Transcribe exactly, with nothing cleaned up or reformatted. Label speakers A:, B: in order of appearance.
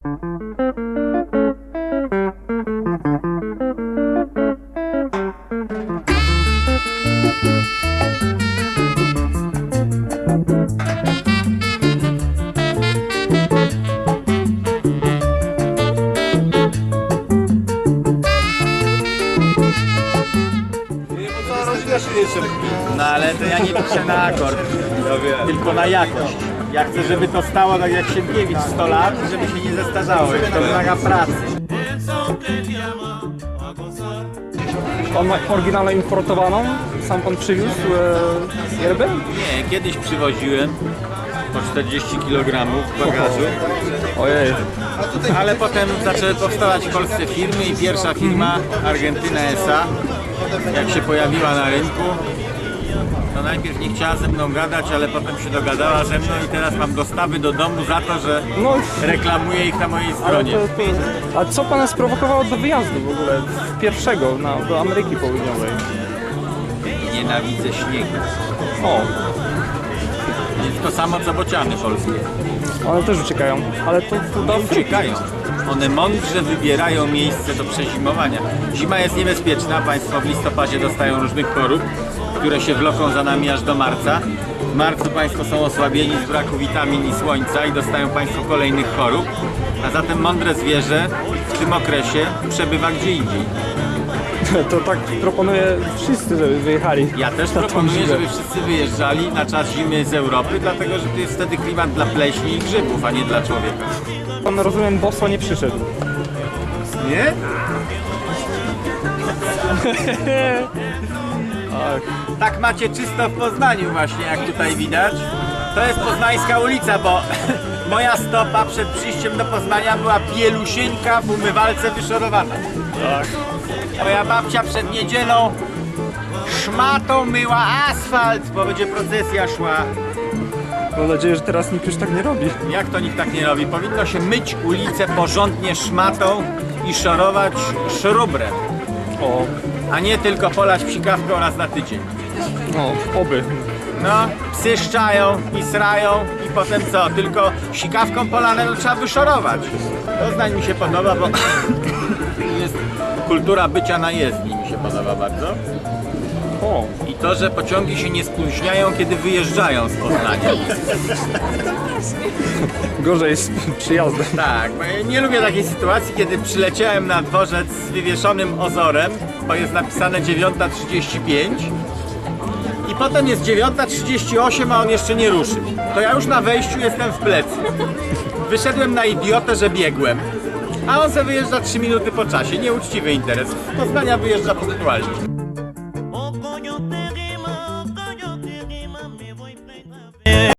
A: No ale to ja nie liczę na akord, tylko na jakość. Ja chcę, żeby to stało tak jak Sienkiewicz sto lat, żeby się nie zestarzało. To wymaga pracy.
B: Pan ma oryginalnie importowaną? Sam pan przywiózł e, yerbę?
A: Nie, kiedyś przywoziłem po czterdzieści kilogramów w bagażu,
B: Ojej.
A: ale potem zaczęły powstawać w Polsce firmy i pierwsza firma, Argentyna S A, jak się pojawiła na rynku, to najpierw nie chciała ze mną gadać, ale potem się dogadała ze mną i teraz mam dostawy do domu za to, że
B: No,
A: reklamuję ich na mojej
B: ale
A: stronie.
B: to, to, a co pana sprowokowało do wyjazdu w ogóle? Pierwszego na, do Ameryki Południowej?
A: Nienawidzę śniegu.
B: O,
A: Jest to samo co bociany polskie.
B: one też uciekają, ale to, to da
A: Nie uciekają. One mądrze wybierają miejsce do przezimowania. Zima jest niebezpieczna, Państwo w listopadzie dostają różnych chorób, które się wloką za nami aż do marca. W marcu Państwo są osłabieni z braku witamin i słońca i dostają Państwo kolejnych chorób. A zatem mądre zwierzę w tym okresie przebywa gdzie indziej.
B: To tak proponuję wszyscy, żeby wyjechali.
A: Ja też
B: na tą
A: proponuję,
B: zimę.
A: żeby wszyscy wyjeżdżali na czas zimy z Europy, dlatego że to jest wtedy klimat dla pleśni i grzybów, a nie dla człowieka.
B: Pan, rozumiem, boso nie przyszedł.
A: Nie?
B: Tak.
A: Tak macie czysto w Poznaniu właśnie, jak tutaj widać. To jest poznańska ulica, bo moja stopa przed przyjściem do Poznania była bielusieńka w umywalce wyszorowana.
B: Tak.
A: Moja babcia przed niedzielą szmatą myła asfalt, bo będzie procesja szła.
B: Mam nadzieję, że teraz nikt już tak nie robi.
A: Jak to nikt tak nie robi? Powinno się myć ulicę porządnie szmatą i szorować szrubrem,
B: O,
A: a nie tylko polać psikawką raz na tydzień.
B: no, oby.
A: No, psy szczają i srają i potem co? Tylko sikawką polane to trzeba wyszorować. To zdań mi się podoba, bo jest kultura bycia na jezdni, mi się podoba bardzo.
B: O,
A: I to, że pociągi się nie spóźniają, kiedy wyjeżdżają z Poznania.
B: gorzej jest przyjazdem.
A: Tak, bo ja nie lubię takiej sytuacji, kiedy przyleciałem na dworzec z wywieszonym ozorem, bo jest napisane dziewiąta trzydzieści pięć i potem jest dziewiąta trzydzieści osiem, a on jeszcze nie ruszył. To ja już na wejściu jestem w plecy. Wyszedłem na idiotę, że biegłem, a on se wyjeżdża trzy minuty po czasie. Nieuczciwy interes. Z Poznania wyjeżdża punktualnie.